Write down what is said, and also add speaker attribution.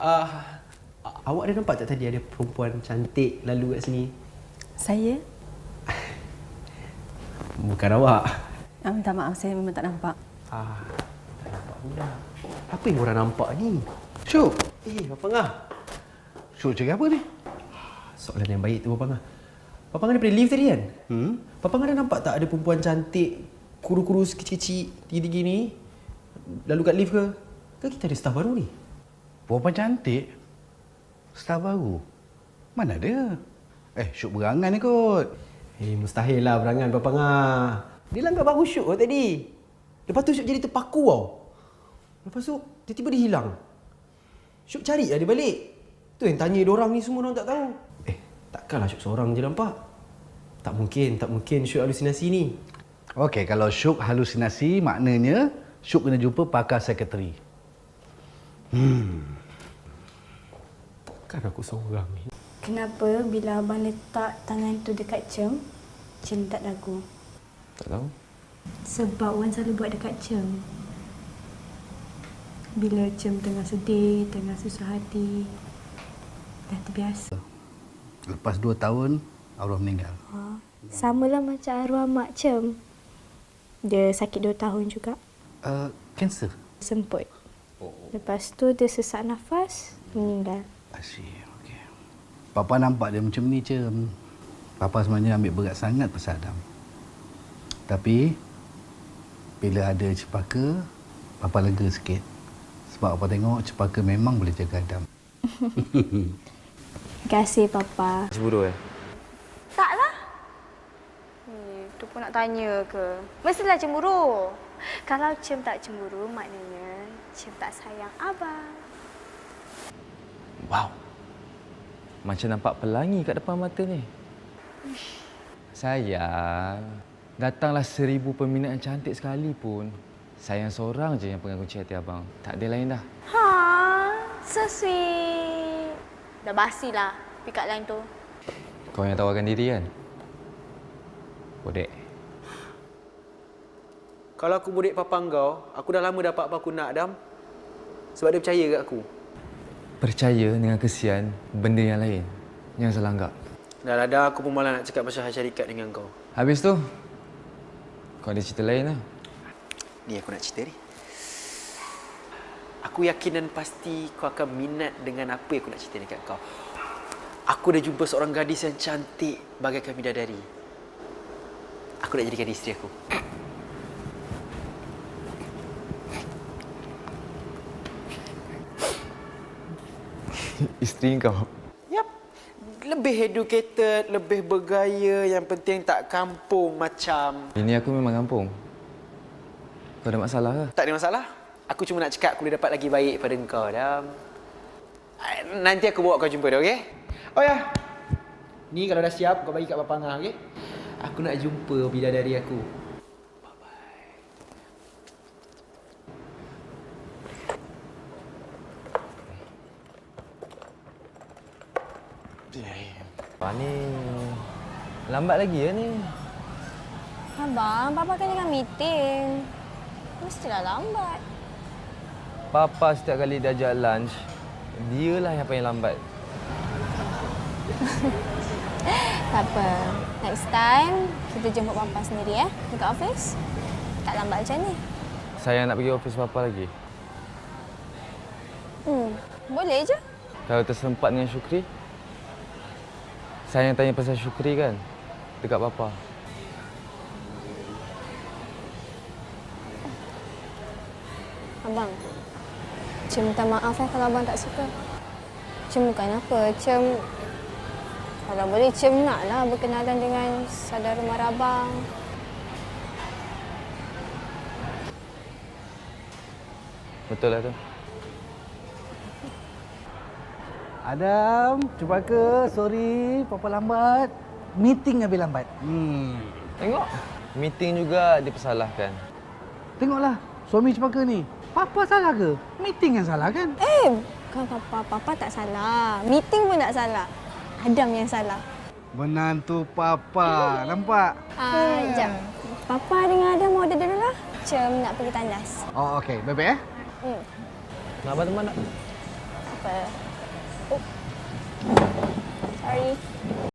Speaker 1: Awak ada nampak tak tadi ada perempuan cantik lalu kat sini?
Speaker 2: Saya?
Speaker 1: Bukan awak.
Speaker 2: Minta maaf, saya memang tak nampak.
Speaker 1: Tak nampak pula. Apa yang orang nampak ni? Syuk! Papang Ah.
Speaker 3: Syuk cakap apa ni?
Speaker 1: Soalan yang baik tu, Papang Ah. Papang Ah daripada lift tadi kan? Papang ada nampak tak ada perempuan cantik, kurus-kurus, kecil-kecil, tinggi-tinggi ni? Lalu kat lift ke? Ke kita ada staff baru ni?
Speaker 3: Perempuan cantik? Staf baru? Mana ada? Syuk berangan ni kot.
Speaker 1: Mustahil lah berangan, Papang Ah. Dia langgar baru Syuk kot tadi. Lepas tu Syuk jadi terpaku tau. Lepas tu, tiba-tiba dia hilang. Syuk cari lah dia balik. Tu yang tanya diorang ni semua orang tak tahu. Takkanlah Syuk seorang je nampak. Tak mungkin Syuk halusinasi ni.
Speaker 3: Okey, kalau Syuk halusinasi, maknanya Syuk kena jumpa pakar sekretari.
Speaker 1: Takkan aku seorang ni.
Speaker 4: Kenapa bila abang letak tangan tu dekat Cem, Cem tak dagu?
Speaker 1: Tak tahu.
Speaker 4: Sebab Wan selalu buat dekat Cem. Bila Cem tengah sedih, tengah susah hati, dah terbiasa.
Speaker 3: Lepas 2 tahun, arwah meninggal.
Speaker 4: Samalah macam arwah mak Cem. Dia sakit 2 tahun juga.
Speaker 3: Kanser?
Speaker 4: Semput. Lepas tu dia sesak nafas, meninggal.
Speaker 3: Asyik, okey. Papa nampak dia macam ni, Cem. Papa sebenarnya ambil berat sangat pasal Adam. Tapi, bila ada Cepaka, Papa lega sikit. Sebab Papa tengok Cepaka memang boleh jaga Adam.
Speaker 4: Terima kasih, Papa.
Speaker 5: Cemburu
Speaker 6: Taklah. Tu pun nak tanya ke? Mestilah cemburu. Kalau Cem tak cemburu, maknanya Cem tak sayang abang.
Speaker 5: Wow. Macam nampak pelangi kat depan mata ni. Sayang, datanglah 1000 peminat yang cantik sekalipun. Sayang seorang je yang pegang kunci hati abang. Tak ada lain dah.
Speaker 6: So sweet. Dah basilah pick up line tu.
Speaker 5: Kau yang tawarkan diri kan? Bodek.
Speaker 1: Kalau aku bodek Papang kau, aku dah lama dapat apa aku nak, Adam. Sebab dia percaya kat aku.
Speaker 5: Percaya dengan kesian benda yang lain. Yang salah anggap.
Speaker 1: Dah lah, dah aku pun malah nak cakap pasal syarikat dengan kau.
Speaker 5: Habis tu, kau ada cerita lain lah.
Speaker 1: Ni aku nak cerita ni. Aku yakin dan pasti kau akan minat dengan apa yang aku nak cerita dekat kau. Aku dah jumpa seorang gadis yang cantik bagaikan bidadari. Aku nak jadikan dia isteri aku.
Speaker 5: Isteri kau?
Speaker 1: Yap. Lebih educated, lebih bergaya, yang penting tak kampung macam...
Speaker 5: Ini aku memang kampung. Kau ada masalah ke?
Speaker 1: Tak ada masalah. Aku cuma nak cakap aku boleh dapat lagi baik pada kau, Adam. Nanti aku bawa kau jumpa dia, okey? Oh ya. Ni kalau dah siap, kau bagi kat Papang Ah, okey? Aku nak jumpa bidadari aku.
Speaker 5: Apa ni? Lambat lagi ya ni?
Speaker 6: Abang, Papa kan dengan meeting. Mestilah lambat.
Speaker 5: Papa setiap kali dia ajak lunch, dialah yang paling lambat.
Speaker 6: Tak apa. Next time, kita jemput Papa sendiri dekat office. Tak lambat macam ni.
Speaker 5: Saya nak pergi office Papa lagi.
Speaker 6: Boleh je.
Speaker 5: Kalau tersempat dengan Syukri, saya yang tanya pasal Syukri kan, dekat Papa.
Speaker 6: Abang, Cem minta maaf kalau abang tak suka. Cem bukan apa. Cem, kalau boleh Cem naklah berkenalan dengan saudara mara abang.
Speaker 5: Betul lah tu.
Speaker 3: Adam, Cepaka, sorry, Papa lambat. Meeting habis lambat.
Speaker 5: Tengok, meeting juga dipersalahkan.
Speaker 3: Tengoklah, suami Cepaka ni. Papa salah ke? Meeting yang salah kan?
Speaker 6: Bukan Papa. Papa tak salah. Meeting pun tak salah. Adam yang salah.
Speaker 3: Menantu Papa, nampak?
Speaker 6: Sekejap. Papa dengan Adam order dulu lah. Cem nak pergi tandas.
Speaker 3: Oh, okey. Baik-baik
Speaker 5: Nak abang teman tak?
Speaker 6: apa. Oh. Sorry.